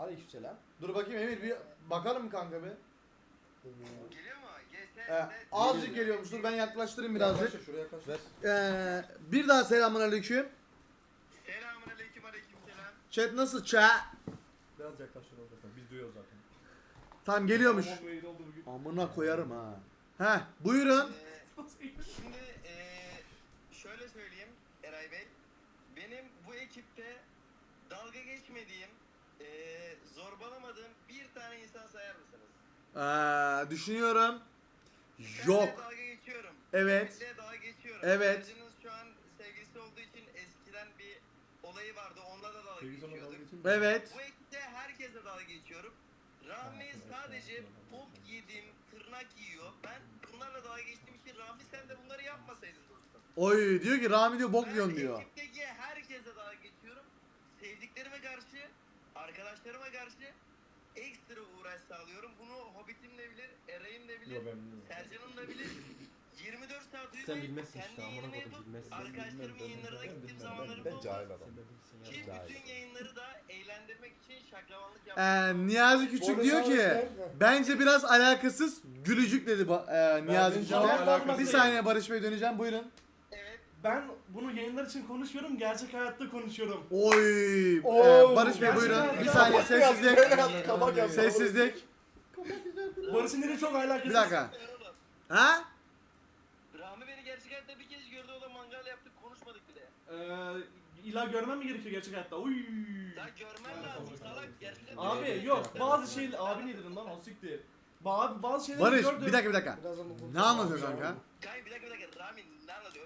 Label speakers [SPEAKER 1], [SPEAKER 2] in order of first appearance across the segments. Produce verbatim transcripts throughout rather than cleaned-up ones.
[SPEAKER 1] Aleykümselam.
[SPEAKER 2] Dur bakayım Emir bir bakalım mı kanka bir?
[SPEAKER 3] Geliyor mu? G S
[SPEAKER 2] Ee, azıcık geliyormuş. Dur ben yaklaştırayım birazcık.
[SPEAKER 1] Yaklaş, şuraya yaklaş. Ver.
[SPEAKER 2] Ee, bir daha selamünaleyküm.
[SPEAKER 3] Selamünaleyküm aleykümselam.
[SPEAKER 2] Chat nasıl chat?
[SPEAKER 1] Biraz yaklaş şuraya zaten. Biz duyuyoruz zaten.
[SPEAKER 2] Tamam geliyormuş.
[SPEAKER 1] Tamam, bu iyi oldu bugün.
[SPEAKER 2] Amına koyarım ha. Heh buyurun.
[SPEAKER 3] Ee, şimdi ee, şöyle söyleyeyim Eray Bey. Benim bu ekipte dalga geçmediğim, ee, zorbalamadığım bir tane insan sayar mısınız?
[SPEAKER 2] Ee, düşünüyorum.
[SPEAKER 3] Benle
[SPEAKER 2] Yok.
[SPEAKER 3] dalga geçiyorum.
[SPEAKER 2] Evet.
[SPEAKER 3] Benle dalga geçiyorum.
[SPEAKER 2] Evet.
[SPEAKER 3] Aracınız şu an sevgilisi olduğu için eskiden bir olayı vardı. Onunla da dalga
[SPEAKER 1] Sevgili sana dalga
[SPEAKER 3] geçiyorduk.
[SPEAKER 1] geçeyim mi?
[SPEAKER 2] Evet.
[SPEAKER 3] Bu ekipte herkese dalga geçiyorum. Rahmi sadece bok yedim, tırnak yiyor. Ben bunlarla dalga geçtiğim için Rahmi sen de bunları yapmasaydın dostum.
[SPEAKER 2] Oy diyor ki Rami diyor bok
[SPEAKER 3] Ben
[SPEAKER 2] yiyorsun diyor.
[SPEAKER 3] ekipteki herkese dalga geçiyorum. Sevdiklerime karşı, arkadaşlarıma karşı ekstra uğraş sağlıyorum. Bunu Hobbit'im de bilir, Eray'ım da bilir,
[SPEAKER 1] Yok, ben bilmiyorum.
[SPEAKER 3] Sercan'ım da bilir. yirmi dört saat uyumayıp
[SPEAKER 4] Sen bilmezsin
[SPEAKER 3] kendi
[SPEAKER 4] işte, amına
[SPEAKER 3] yayınımı
[SPEAKER 4] koydum,
[SPEAKER 3] yapıp
[SPEAKER 4] bilmezsin.
[SPEAKER 3] arkadaşlarımın
[SPEAKER 1] Ben
[SPEAKER 3] yayınlarına
[SPEAKER 1] bilmem,
[SPEAKER 3] gittiğim
[SPEAKER 1] ben
[SPEAKER 3] zamanlarım
[SPEAKER 5] Ben
[SPEAKER 3] oldu.
[SPEAKER 5] cahil adam.
[SPEAKER 3] Ki
[SPEAKER 5] Cahil.
[SPEAKER 3] bütün yayınları da eğlendirmek için şaklavanlık yaptım.
[SPEAKER 2] Ee, Niyazi Küçük diyor ki bence biraz alakasız gülücük dedi ba- e, Niyazi
[SPEAKER 1] Ben
[SPEAKER 2] Küçük.
[SPEAKER 1] cevap vermem.
[SPEAKER 2] Bir saniye Barış Bey döneceğim buyurun.
[SPEAKER 3] Evet.
[SPEAKER 6] Ben bunu yayınlar için konuşmuyorum, gerçek hayatta konuşuyorum.
[SPEAKER 2] Oy. Ee,
[SPEAKER 5] Oo,
[SPEAKER 2] Barış Bey
[SPEAKER 6] gerçekten
[SPEAKER 2] buyurun. Bir
[SPEAKER 6] ya.
[SPEAKER 2] saniye
[SPEAKER 5] Kabak yap,
[SPEAKER 2] sessizlik.
[SPEAKER 5] böyle yap, kabak yap.
[SPEAKER 2] Sessizlik.
[SPEAKER 6] Barış'ın dili çok alakasız.
[SPEAKER 2] Bir dakika. Ha?
[SPEAKER 3] Rami beni gerçek hayatta bir kez gördü, o da mangal yaptık, konuşmadık bile.
[SPEAKER 6] Ee, illa görmem mi gerekiyor gerçek hayatta? Uy.
[SPEAKER 3] Ya görmen lazım salak, gerçekten.
[SPEAKER 6] Abi yok, bazı şey abi ne dedim lan o siktir. Ba bazı şeyleri
[SPEAKER 2] Barış
[SPEAKER 6] gördüm.
[SPEAKER 2] bir dakika bir dakika.
[SPEAKER 5] Biraz ama bu-
[SPEAKER 2] Ne anlatıyorsun kanka?
[SPEAKER 3] Gay bir dakika bir dakika, Rami ne anlatıyor?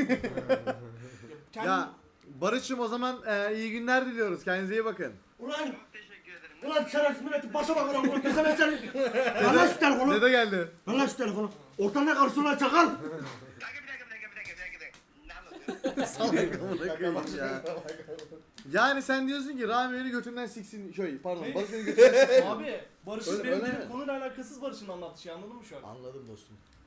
[SPEAKER 6] Kendim-
[SPEAKER 2] Ya Barış'ım o zaman e, iyi günler diliyoruz. Kendinize iyi bakın.
[SPEAKER 7] Ulan,
[SPEAKER 3] Çok teşekkür ederim.
[SPEAKER 7] ulan şerefsiz milleti başa bak ulan ulan desene seni. Lan lan şu telefonu.
[SPEAKER 2] Dede geldi.
[SPEAKER 7] Lan lan şu telefonu. Ortadan ne karışıyor lan çakal.
[SPEAKER 3] Kanka bir dakika bir dakika bir dakika bir dakika bir dakika. Ne anlatıyor?
[SPEAKER 2] Salak amına koyayım ya. Yani sen diyorsun ki Rami beni götünden siksin. Şöyle pardon
[SPEAKER 6] Ne?
[SPEAKER 2] Barış beni götünden siksin.
[SPEAKER 6] Abi Barış'ın
[SPEAKER 2] Öyle-
[SPEAKER 6] benim
[SPEAKER 2] öyle
[SPEAKER 6] benim
[SPEAKER 2] mi?
[SPEAKER 6] konuyla alakasız Barış'ın anlattığı şey, anladın mı şu an?
[SPEAKER 2] Anladım dostum.